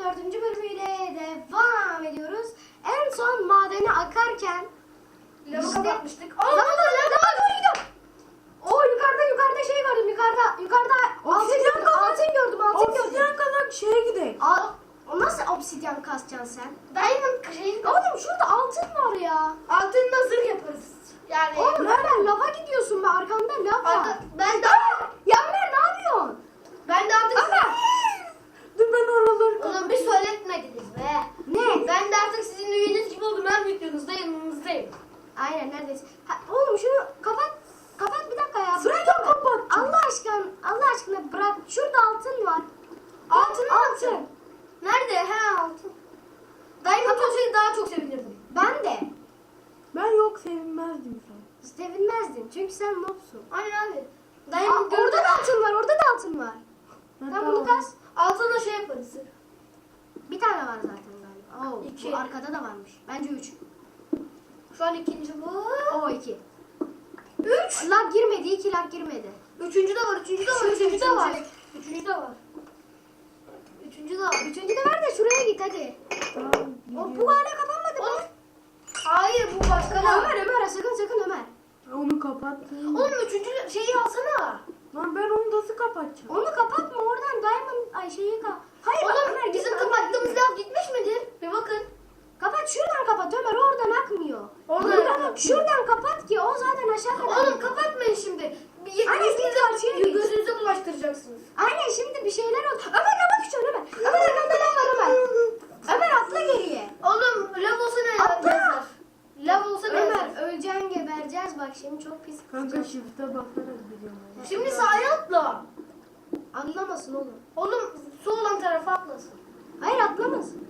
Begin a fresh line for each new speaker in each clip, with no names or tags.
4. bölümüyle devam ediyoruz. En son madene akarken
Lavı kapatmıştık.
Lava doğru gidiyor. Oo, yukarıda şey gördüm, yukarıda altın gördüm.
Obsidyen kazak şeye gidelim.
O nasıl obsidyen kasacaksın sen?
Diamond şey.
Oğlum şurada altın var ya.
Altınla zırh yaparız. Yani.
Oğlum hemen lava gidiyorsun be, arkanda lav var.
Ben de
Yanmer ne yapıyorsun?
artık.
Ömer.
Dur ben oraları
Oğlum bir söyletmediniz be.
Ne?
Ben de artık sizin üyeniz gibi oldum. Her videonuzda yanınızdayım.
Aynen neredesin? Oğlum şunu kapat bir dakika ya.
Sırayla
Bırak hemen.
kapatacağım.
Allah aşkına bırak. Şurada altın var.
Altın. Nerede? He altın. Diamond olsaydı daha çok sevinirdim.
Ben de.
Ben yok sevinmezdim sen.
Sevinmezdin çünkü sen nobsun.
Aynen abi.
Aa,
Diamond
orada da altın var, var. Sen bunu kas.
Altına şey yaparız.
Bir tane var zaten galiba. Oo,
2.
bu arkada da varmış. Bence 3.
Şu an ikinci bu.
O 2. 3. Lag girmedi, 2 lag girmedi.
Üçüncü de var. Üçüncü de var. Üçüncü de var. Üçüncü de var. Üçüncü de var.
Üçüncü de ver de şuraya git hadi. Bu hala kapanmadı mı?
Hayır bu başka ne?
Ömer sakın Ömer.
Onu kapattım.
Oğlum üçüncü şeyi alsana.
Lan ben onu nasıl kapatacağım?
Onu kapatma, oradan diamond şeyi Hayır bak
Oğlum
Ömer,
bizim
gitme.
kapattığımız lav gitmiş midir? Bir bakın.
Kapat, şuradan kapat Ömer, oradan akmıyor.
Oradan
Buradan
akmıyor.
Şuradan kapat ki o zaten aşağı kadar.
Oğlum kapatmayın şimdi.
Aynen, git karşıya git.
Gözünüze bulaştıracaksınız.
Aynen, şimdi bir şeyler oldu. Ömer lava düşüyor Ömer. Ömer arkanda lav var Ömer. Ömer atla geriye.
Oğlum lav olsa ne
Atla.
yazar? Lav olsa ne yazar?
Ömer öleceksin, gebereceğiz bak şimdi, çok pis.
Kanka shift'e basarak biliyorum.
Şimdi sağa atla.
Anlamasın oğlum.
Oğlum su olan tarafa atlasın.
Hayır, atlamasın.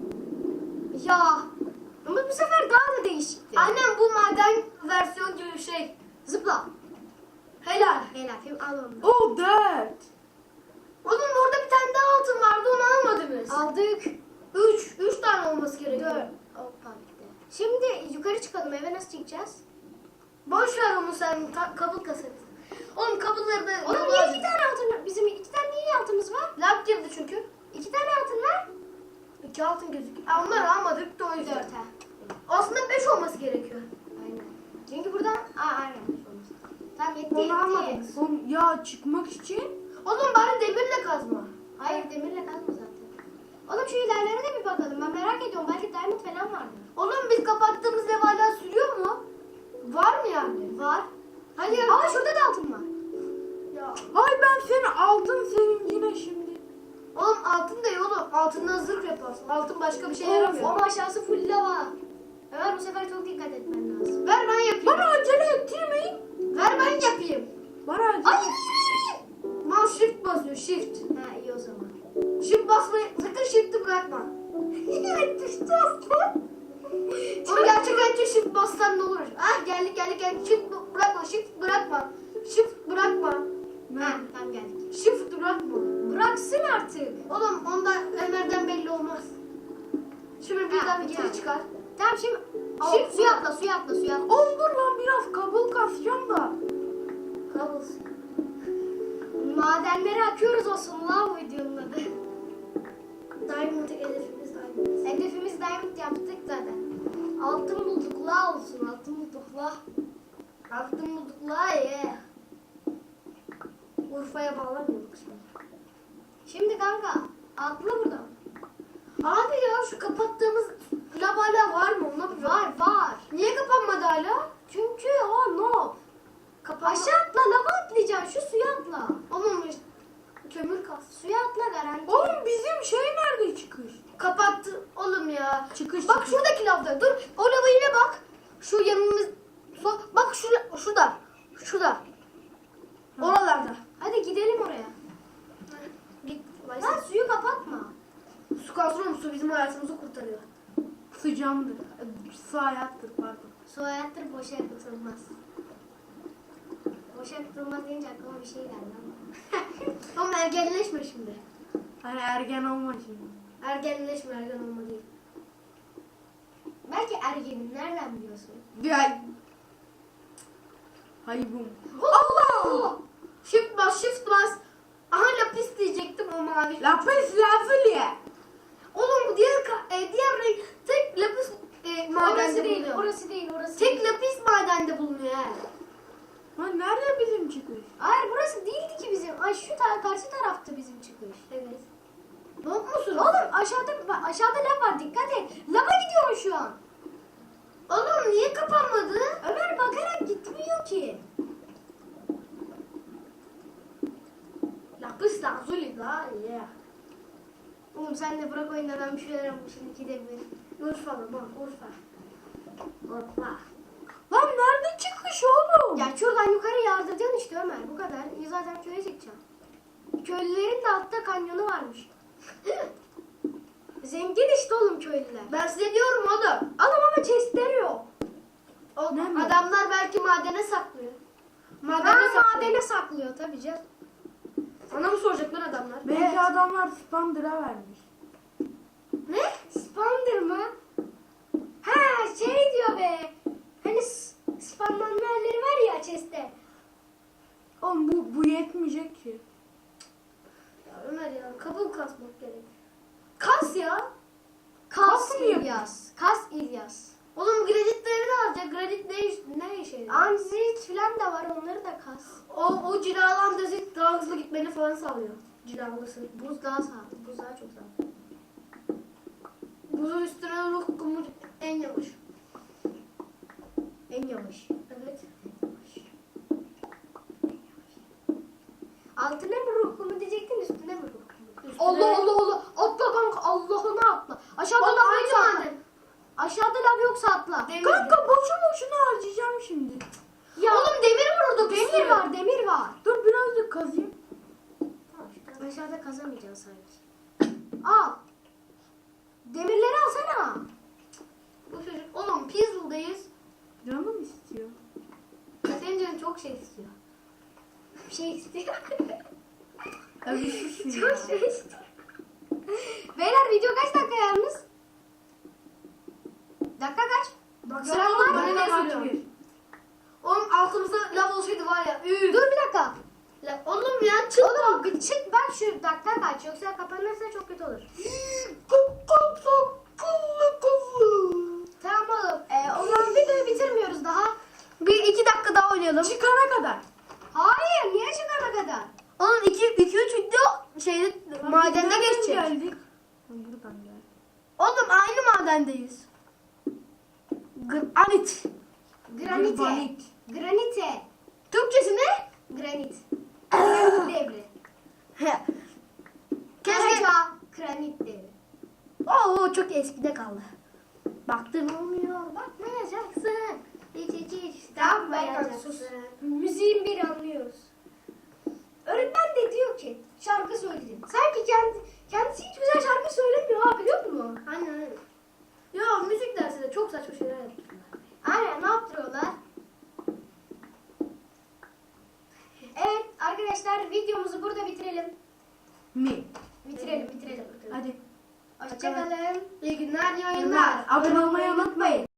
Ya. Ama bu sefer daha da değişikti.
Annem bu maden versiyon gibi bir şey.
Zıpla.
Helal.
Helal film al onu.
Oh that.
Oğlum orada bir tane daha altın vardı onu almadınız.
Aldık.
Üç tane olması gerekiyor.
4. Hoppa gitti. Şimdi yukarı çıkalım, eve nasıl çıkacağız?
Boş ver onu sen kabul kaset. Oğlum kabulları da...
Oğlum niye 2 tane altın? Bizim 2 tane niye altımız var?
Lag girdi çünkü.
2 tane altın var.
2 altın gözüküyor. Onları almadık da o
4
yüzden.
ha.
Aslında 5 olması gerekiyor.
Aynen. Çünkü buradan aynen. Tamam, yetti.
Onu almadım. Oğlum, ya çıkmak için.
Oğlum bari demirle kazma.
Hayır, demirle kazma zaten. Oğlum şu ilerlere de bir bakalım. Ben merak ediyorum. Belki diamond falan vardır.
Oğlum biz kapattığımız ev hala sürüyor mu? Var mı yani?
Var.
Hadi ya.
Aa, şurada da altın var.
Ya.
Ay ben seni altın sevincine şimdi.
Oğlum altın da iyi oğlum. Altından zırh yaparsın. Altın başka bir şey yaramıyor.
Ama aşağısı full lava. Ömer bu sefer çok dikkat etmen lazım.
Ver ben yapayım.
Bana acele ettirmeyin.
Ver ben yapayım.
Bana acele.
Hayır.
Mouse shift basıyor shift.
Ha, iyi o zaman.
Shift basmayı sakın shift'i bırakma.
Düştü aslan.
Oğlum gerçek hayatta shift bassan ne olur? Ah geldik. Shift bırakma shift bırakma. Shift bırakma.
Ha, tamam geldik.
Shift bırakma.
Bıraksın artık.
Oğlum onda Ömer'den belli olmaz. Şimdi birden
bir
geri
tane.
çıkar.
Tamam şimdi.
Şimdi
Suya atla.
Oğlum dur lan biraz kabul kasacağım da.
Kablosuz.
Madenlere akıyoruz olsun la bu videonun adı.
Diamond hedefimiz diamond.
Hedefimiz diamond yaptık zaten. Altın bulduk la olsun. Altın bulduk la.
Altın bulduk la ye. Urfa'ya bağlamıyorduk şimdi.
Şimdi kanka atla buradan.
Abi ya şu kapattığımız lav hala var mı? Ona bir bak.
Var.
Niye kapanmadı hala?
Çünkü o no.
Kapanma.
Aşağı atla, lava atlayacaksın. Şu suya atla.
Oğlum kömür kas.
Suya atla garanti.
Oğlum bizim şey nerede çıkış?
Kapattı oğlum ya.
Çıkış,
Bak
çıkış.
şuradaki lavda. Dur. O lava yine bak. Şu yanımız. Bak şurada. Şurada. Oralarda.
Hadi gidelim oraya.
Git.
Lan suyu kapatma.
Su kalsın oğlum. Su bizim hayatımızı kurtarıyor.
Sıcamdır. Su hayattır pardon.
Su hayattır, boşa yakıtılmaz. Boşa yakıtılmaz deyince aklıma bir şey geldi ama.
Oğlum ergenleşme şimdi.
Hani ergen olma şimdi.
Ergen olma değil.
Belki ergenim, nereden biliyorsun?
Ya. Haybum.
Allah! Shift bas. Aha lapis diyecektim o mavi.
Lapis lazuli.
Oğlum bu diğer renk tek lapis
Orası
madende
değil,
bulunuyor.
orası değil, orası
Tek
değil.
lapis madende bulunuyor he.
Lan nerede bizim çıkış?
Hayır burası değildi ki bizim. Ay şu karşı taraftı bizim çıkış.
Evet. Yok musun?
Oğlum aşağıda lav var, dikkat et. Lava gidiyorsun şu an.
Oğlum niye kapanmadı?
Ömer bakarak gitmiyor ki.
Lapis lazuli la ya.
Oğlum sen de bırak oyunda, ben bir şeyler yapmışım, ikide bir.
Urfa mı? Urfa. Urfa.
Lan nerede çıkış oğlum?
Ya şuradan yukarı yardıracaksın işte Ömer, bu kadar. Zaten köye çekeceğim. Köylülerin de altta kanyonu varmış. Zengin işte oğlum köylüler.
Ben size diyorum oğlum.
Adam ama chestleri yok.
Ne mi?
Adamlar belki madene saklıyor.
Madene saklıyor tabii canım.
Sana mı soracaklar adamlar?
Belki
Evet.
adamlar Spander'a vermiş.
Ne? Spander mı? Ha şey diyor be. Hani spamlanma yerleri var ya chest'te.
Oğlum bu yetmeyecek ki.
Ya Ömer ya kabul kasmak gerek.
Kas ya.
Kas mı
İlyas. Kas İlyas.
Oğlum granitleri de alacak. Granit ne işe yarıyor?
Anzit filan da var, onları da kas.
O cilalan dezit daha hızlı gitmeni falan sağlıyor. Cilalısı.
Buz daha sağlam. Buz daha çok sağlam.
Buzun üstüne ruh kumu en yavaş.
En yavaş.
Evet.
Altına mı ruh kumu diyecektin, üstüne mi ruh kumu?
Üstüne-
Allah Allah Allah. Atla kanka, Allah'ına atla. Aşağıda
Bak,
lav
aynı
yoksa atla.
maden.
Aşağıda lav yoksa atla.
Demir.
Kanka boşuna harcayacağım şimdi.
Ya
Oğlum demir var orada. bir
demir
sürü.
var, demir var.
Dur birazcık kazayım.
Tamam, aşağıda kazamayacaksın sanki. Al. Demirleri alsana.
Bu çocuk. Oğlum Peaceful'dayız.
Canım istiyor.
Senin canın çok şey istiyor.
Bir şey istiyor.
Övüşürsün ya.
Çok şey istiyor. Beyler video kaç dakika yalnız? Dakika kaç?
Baksana
Gören
oğlum
var mı?
bana ne
Kaç
söylüyor?
bir?
Oğlum altımızda lav olsaydı var ya.
Dur bir dakika.
Oğlum ya çık.
Oğlum bir çık bak, şu dakika kaç, yoksa kapanırsa çok kötü olur. Tamam oğlum. O zaman videoyu bitirmiyoruz daha.
Bir iki dakika daha oynayalım.
Çıkana kadar.
Hayır, niye çıkana kadar?
Oğlum 2-3 video şeyde madende
Nereden
geçecek.
geldik? Buradan geldik.
Oğlum aynı madendeyiz. Granit.
Granite.
Granit.
Granite.
Türkçesi ne?
Granit. Granit devri.
Keşke.
Karaca granit devri.
Oo çok eskide kaldı. Baktın olmuyor. Bakmayacaksın. Hiç
Tamam ben sus. Müziğin bir anlıyoruz. Öğretmen de diyor ki şarkı söyledim. Sanki kendisi hiç güzel şarkı söylemiyor ha, biliyor musun?
Aynen öyle. Ya müzik dersinde çok saçma şeyler yapıyorlar.
Aynen, ne yaptırıyorlar? Evet arkadaşlar, videomuzu burada bitirelim.
Mi?
Bitirelim.
Hadi.
Hoşçakalın.
İyi günler, iyi yayınlar.
Abone olmayı unutmayın.